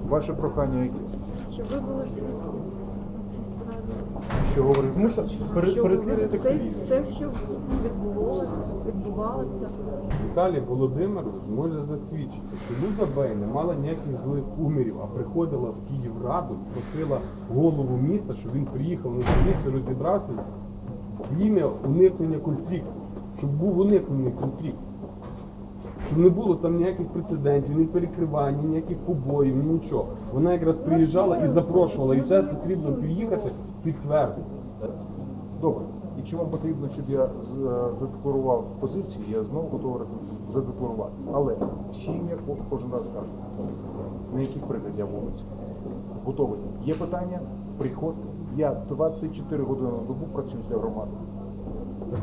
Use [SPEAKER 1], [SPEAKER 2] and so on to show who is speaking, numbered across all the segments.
[SPEAKER 1] Ваше прохання яке?
[SPEAKER 2] Щоб ви були свідком у цій справі.
[SPEAKER 1] Що говорить?
[SPEAKER 3] Мусять
[SPEAKER 2] Щоб
[SPEAKER 3] переслідувати
[SPEAKER 2] все,
[SPEAKER 3] активістів.
[SPEAKER 2] все, що відбувалося.
[SPEAKER 4] Віталій Володимирович може засвідчити, що Люда Бей не мала ніяких злих умірів, а приходила в Київраду, просила голову міста, щоб він приїхав на це місце, розібрався в ім'я уникнення конфлікту, щоб був уникнений конфлікт. Щоб не було там ніяких прецедентів, ні перекривань, ні ніяких побоїв, ні нічого. Вона якраз приїжджала і запрошувала, і це потрібно приїхати підтвердити.
[SPEAKER 1] Добре. Якщо вам потрібно, щоб я задекларував позиції, я знову готовий задекларувати. Але всі ім'я кожен раз кажу, на яких прикладів я вулиці. Готовий. Є питання? Приходьте. Я 24 години на добу працюю для громади.
[SPEAKER 4] Так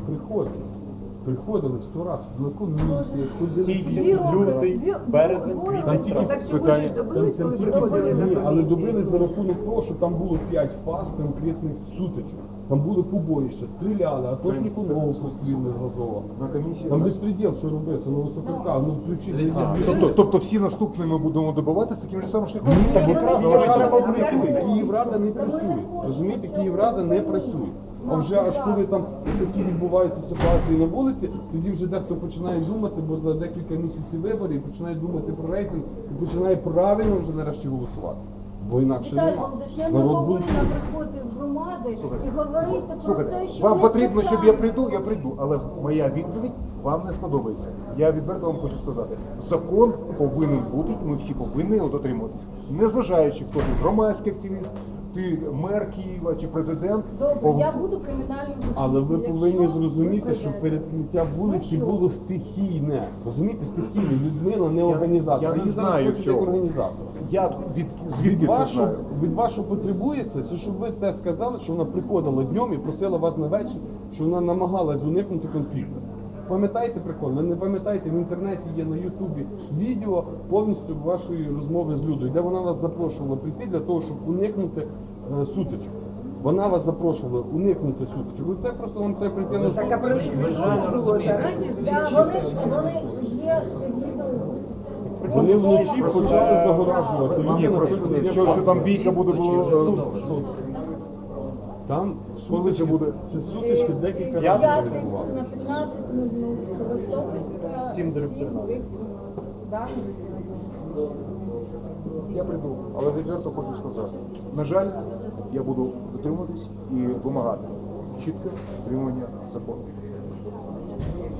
[SPEAKER 4] приходили 100 разів, на комісії, ходили.
[SPEAKER 3] Січень, лютий, березень, квітень, травень.
[SPEAKER 5] Так чого
[SPEAKER 1] Питання.
[SPEAKER 5] ж добились, коли
[SPEAKER 4] Тільки
[SPEAKER 5] приходили на
[SPEAKER 4] ні, але
[SPEAKER 5] комісії?
[SPEAKER 4] добились за рахунок того, що там було 5 фаз конкретних сутичок. Там були побоїща, стріляли, атошнику ногу постріли з Азова.
[SPEAKER 1] На комісії.
[SPEAKER 4] Там безпреділ, що робиться, ну високорка, ну включити.
[SPEAKER 1] Тобто всі наступні ми будемо добиватися таким же самим шляхом?
[SPEAKER 4] Так якраз Київрада не
[SPEAKER 5] працює.
[SPEAKER 4] працює. Київрада не працює. Розумієте, Київрада не працює. А вже аж коли там такі відбуваються ситуації на вулиці, тоді вже дехто починає думати, бо за декілька місяців виборів і починає думати про рейтинг і починає правильно вже нарешті голосувати. Бо інакше
[SPEAKER 2] Віталій
[SPEAKER 4] нема.
[SPEAKER 2] Володимирович, я не
[SPEAKER 4] Народ
[SPEAKER 2] повинна
[SPEAKER 4] буде.
[SPEAKER 2] приходити з громади і говорити про
[SPEAKER 1] Слухайте,
[SPEAKER 2] те, що
[SPEAKER 1] вам
[SPEAKER 2] не
[SPEAKER 1] потрібно, щоб я
[SPEAKER 2] питання.
[SPEAKER 1] прийду, я прийду. Але моя відповідь вам не сподобається. Я відверто вам хочу сказати, закон повинен бути, і ми всі повинні його дотримуватися. Незважаючи, хто ти громадський активіст, ти мер Києва чи президент.
[SPEAKER 2] Добре, я буду кримінальним злочинцем.
[SPEAKER 4] Але ви
[SPEAKER 2] Якщо
[SPEAKER 4] повинні
[SPEAKER 2] ви
[SPEAKER 4] зрозуміти, що
[SPEAKER 2] прийдете.
[SPEAKER 4] перекриття вулиці
[SPEAKER 2] Ну, що?
[SPEAKER 4] було стихійне. Розумієте, стихійне. Людмила не організатор.
[SPEAKER 1] я не
[SPEAKER 4] Її зараз
[SPEAKER 1] знаю
[SPEAKER 4] хочуть як
[SPEAKER 1] цього.
[SPEAKER 4] організатор.
[SPEAKER 1] Я звідки це знаю?
[SPEAKER 4] Від вас, що потребується, це щоб ви те сказали, що вона приходила днем і просила вас на вечір, що вона намагалась уникнути конфлікту. Пам'ятаєте прикол? Ви не пам'ятаєте, в інтернеті є на Ютубі відео повністю вашої розмови з Людою, де вона вас запрошувала прийти для того, щоб уникнути сутичок. Вона вас запрошувала уникнути сутичок. І це просто вам треба прийти на
[SPEAKER 5] Так, а про що було зарані?
[SPEAKER 2] Вони є це відео.
[SPEAKER 4] Вони вночі почали загоражувати.
[SPEAKER 1] Ні,
[SPEAKER 4] Люди
[SPEAKER 1] просто
[SPEAKER 4] написали,
[SPEAKER 1] що там бійка буде було.
[SPEAKER 4] Там
[SPEAKER 1] Коли це буде?
[SPEAKER 4] Це сутички декілька
[SPEAKER 2] П'ятницю
[SPEAKER 4] разів
[SPEAKER 2] на
[SPEAKER 4] відбувалися.
[SPEAKER 2] 15:00 Севастопольська.
[SPEAKER 3] 7:13.
[SPEAKER 2] Да?
[SPEAKER 1] Я прийду, але відверто хочу сказати. На жаль, я буду дотримуватись і вимагати чітке дотримання закону.